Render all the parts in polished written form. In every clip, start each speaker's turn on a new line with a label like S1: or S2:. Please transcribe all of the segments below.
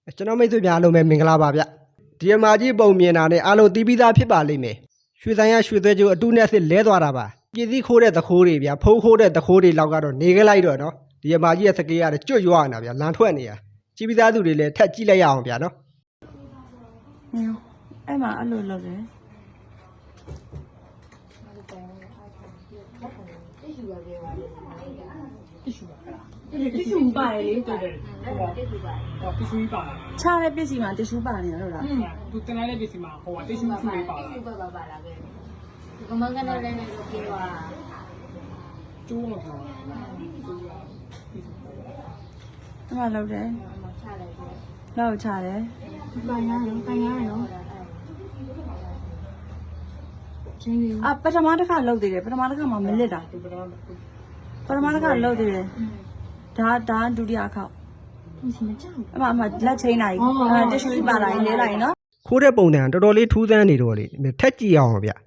S1: ကျွန်တော်မိတ်ဆွေများအားလုံးပဲမင်္ဂလာပါဗျဒီအမာကြီးပုံမြင်တာနဲ့အားလုံးတီးပြီးသားဖြစ်ပါလိမ့်မယ်ရွှေဆိုင်ရရွှေသွဲကျိုးအတူနဲ့စစ်လဲသွားတာပါပြည်စည်းခိုးတဲ့သခိုးတွေဗျဖုံးခိုးတဲ့သခိုးတွေလောက်ကတော့နေခဲ့လိုက်တော့နော်ဒီအမာကြီးရဲ့စကေးရတယ်ကျွတ်ရွာနေတာဗျလန်ထွက်နေတာကြည်ပြီးသားသူတွေလည်းထက်ကြည့်လိုက်ရအောင်ဗျနော်
S2: အဲ့မှာအဲ့လိုလုပ်တယ်
S3: တ िशू ပါတယ်လေတူတယ်tissue ပါတယ်tissue ပါ
S2: ချားတဲ့ပစ္စည်းမှာတ िशू ပါနေဟုတ်လား
S3: သူတင်လိုက်တဲ့ပစ္စည်းမှာဟိုက tissue လေးပါလာ
S4: tissue ပါလာခဲ့ဒီကမန်ကနေလည်းလုပ်ပြီးတော့
S3: ကျိုးလို့ပြော
S2: အဲ့မှာလုပ်တယ်
S4: ချလိုက်တယ်
S2: လောက်ချတယ်
S4: ပိုင်ရတယ်နော်
S2: ပထမတစ်ခါလုပ်သေးတယ်ပထမတစ်ခါမှမလစ်တာပထမတစ်ခါလုပ်သေးတယ်ဒါဒုတိယခေါက်အမလက်ချင်းလိုက်တ िशू ပါလာရင်လဲလိုက်နော်
S1: ခိုးတဲ့ပုံစံတော်တော်လေးထူးဆန်းနေတော့လေထက်ကြည့်အောင်ဗျ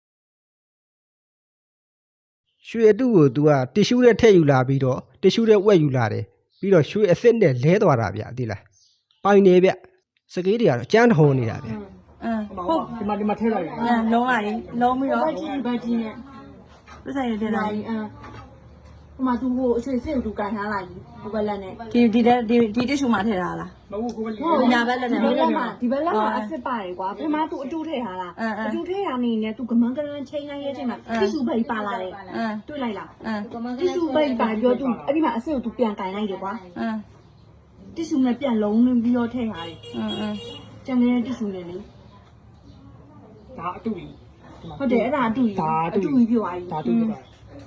S1: ရွှေအတုကို तू ကတ िशू နဲ့ထည့်ယူလာပြီးတော့တ िशू နဲ့ဝက်ယူလာတယ်ပြီးတော့ရွှေအစ်စ်နဲ့လဲသွားတာဗျသိလားပိုင်နေဗျစကေးတွေကတော့ကြမ်းထုံနေတာဗျ
S2: ဟုတ်
S3: ဒီမှာထည့်လိုက်ရ
S2: လုံးလိုက်လုံးပြီးတော့
S4: ဘတ်ကြီးနဲ့
S2: ပြဆိုင်ရတဲ့လိုက်
S4: ဟိုမှာသူဟိုအရွှေစစ်သူကန်ထားလိုက်ဟိုဘက်လက်နဲ့
S2: ဒီတ िशू မှာထည့်ထားလား
S3: မဟုတ်ကိုပဲ
S2: ညာဘက်လက်နဲ့
S4: ဒီဘက်လက်မှာအစ်စ်ပါတယ်ကွာပထမသူအတူထည့်ထားလားအတူထည့်ထားနေနဲ့သူကမန်ကရန်ချိန်လိုက်ရဲ့အချိန်မှာ tissue ဘိတ်ပါလာတယ်တွေ့လိုက်လား tissue ဘိတ်ပါပြောသူအဲ့ဒီမှာအစ်စ်ကိုသူပြန်ကန်လိုက်တယ်ကွာtissue နဲ့ပြန်လုံးပြီးတော့ထည့်ထားတယ်ကျန်နေတဲ့ tissue နဲ့လေ
S3: ဒါအတူကြီး
S4: ဟုတ်တယ်အဲ့ဒါအတူကြီးပြောသွားပြီ
S3: ဒါတူကြီး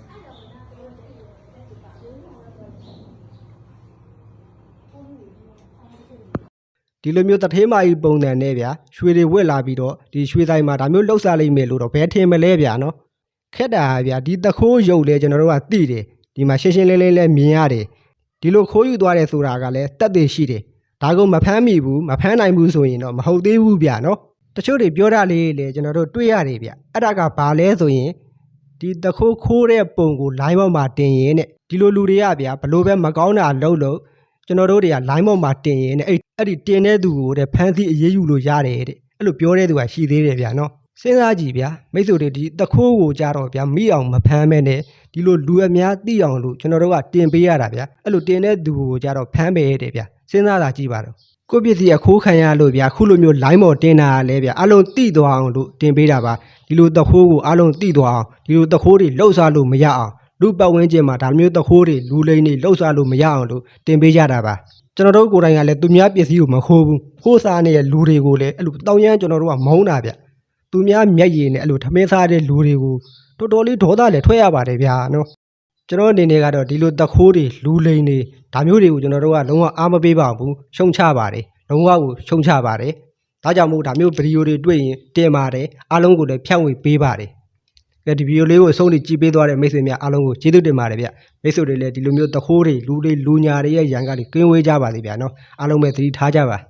S1: ဒီလိုမျိုးတထေးမာကြီးပုံစံနဲ့ဗျာရွှေတွေဝက်လာပြီးတော့ဒီရွှေဆိုင်မှာဒါမျိုးလှုပ်ရှားလိမ့်မယ်လို့တော့ဘယ်ထင်မလဲဗျာနော်ခက်တာဗျာဒီတခိုးရုပ်လဲကျွန်တော်တို့ကသိတယ်ဒီမှာရှင်းရှင်းလင်းလင်းလဲမြင်ရတယ်ဒီလိုခိုးယူသွားတယ်ဆိုတာကလည်းတက်သေးရှိတယ်ဒါကမဖမ်းမိဘူးမဖမ်းနိုင်ဘူးဆိုရင်တော့မဟုတ်သေးဘူးဗျာနော်တချို့တွေပြောတာလေးလေကျွန်တော်တို့တွေ့ရတယ်ဗျအဲ့ဒါကဘာလဲဆိုရင်ဒီတခိုးခိုးတဲ့ပုံကို line ပေါ်မှာတင်ရင်တဲ့ဒီလိုလူတွေကဗျာဘလို့ပဲမကောင်းတာလုပ်ကျွန်တော်တို့တွေက line ပေါ်မှာတင်ရင်တဲ့အဲ့ဒီတင်တဲ့သူကိုတဲ့ဖမ်းဆီးအရေးယူလို့ရတယ်တဲ့အဲ့လိုပြောတဲ့သူကရှိသေးတယ်ဗျာနော်စဉ်းစားကြည့်ဗျာမိတ်ဆွေတွေဒီတခိုးကိုကြတော့ဗျာမိအောင်မဖမ်းမဲနဲ့ဒီလိုလူအများသိအောင်လို့ကျွန်တော်တို့ကတင်ပေးရတာဗျာအဲ့လိုတင်တဲ့သူကိုကြတော့ဖမ်းပေးရတယ်ဗျာစဉ်းစားတာကြည့်ပါတော့ကိုပစ္စည်းအခိုးခံရလို့ဗျာခုလိုမျိုး line ပေါ်တင်တာလဲဗျာအလုံးတိသွားအောင်လို့တင်ပေးတာပါဒီလိုတခိုးကိုအလုံးတိသွားအောင်ဒီလိုတခိုးတွေလှုပ်ရှားလို့မရအောင်လူပတ်ဝန်းကျင်မှာဒါမျိုးတခိုးတွေလူလိမ့်တွေလှုပ်ရှားလို့မရအောင်လို့တင်ပေးကြတာပါကျွန်တော်တို့ကိုယ်တိုင်ကလည်းသူများပစ္စည်းကိုမခိုးဘူးခိုးစားနေတဲ့လူတွေကိုလည်းအဲ့လိုတောင်းရမ်းကျွန်တော်တို့ကမုန်းတာဗျသူများမျက်ရည်နဲ့အဲ့လိုထမင်းစားတဲ့လူတွေကိုတော်တော်လေးဒေါသလည်းထွက်ရပါတယ်ဗျာနော်ကျွန်တော်အနေနဲ့ကတော့ဒီလိုတခိုးတွေလူလိမ့်တွေဒါမျိုးတွေကိုကျွန်တော်တို့ကလုံးဝအားမပေးပါဘူးရှုံချပါတယ်လုံးဝကိုရှုံချပါတယ်ဒါကြောင့်မို့ဒါမျိုးဗီဒီယိုတွေတွေ့ရင်တင်ပါတယ်အားလုံးကိုလည်းဖြန့်ဝေပေးပါတယ်ဒီဗီဒီယိုလေးကိုအဆုံးထိကြည့်ပေးသွားတဲ့မိတ်ဆွေများအားလုံးကိုကျေးဇူးတင်ပါတယ်ဗျမိတ်ဆွေတွေလည်းဒီလိုမျိုးတခိုးတွေလူညာတွေရဲ့ရန်ကတွေကင်းဝေးကြပါစေဗျာနော်အားလုံးပဲသတိထားကြပါ